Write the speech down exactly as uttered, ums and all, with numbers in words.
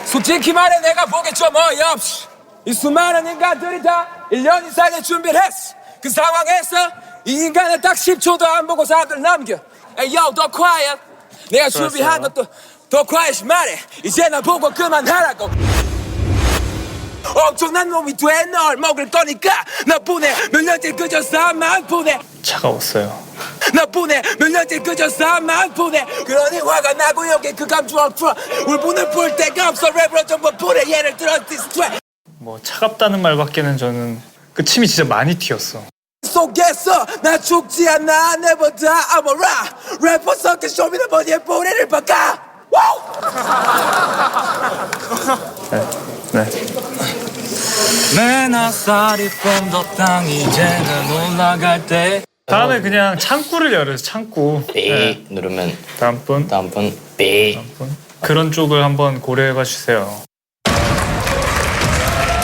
솔직히 말해 내가 보기 좀 어이없이 이 수많은 인간들이 다 일 년 이상의 준비를 했어. 그 상황에서 이 인간을 딱 십 초도 안 보고 사람들 남겨. Hey yo, 더 quiet. 내가 준비한 것도 더 quiet 말해. 이제 나 보고 그만하라고. 엄청난 놈이 돼 널 먹을 거니까 나뿐에 몇 년째 그저 싸움만 보내. 차가웠어요. 나뿐에 몇 년째 그저 싸움만 보내. 그러니 화가 나고 여기 그 감정을 풀어. 울분을 풀 데가 없어. 랩으로 전부 풀어. 예를 들어 디스트랙 뭐 차갑다는 말밖에는 저는 그 침이 진짜 많이 튀었어. 속에서 나 죽지 않아. Never die I'm a rock 래퍼 섞여 쇼미더머니의 뿌리를 바꿔. 와우. 네. 네. 맨 아싸리 뺀더 땅 이제는 올라갈 때. 다음에 그냥 창구를 열어요. 창구. 삐 네. 누르면 다음 분. 다음 분 삐. 다음 분. 그런 쪽을 한번 고려해 봐 주세요.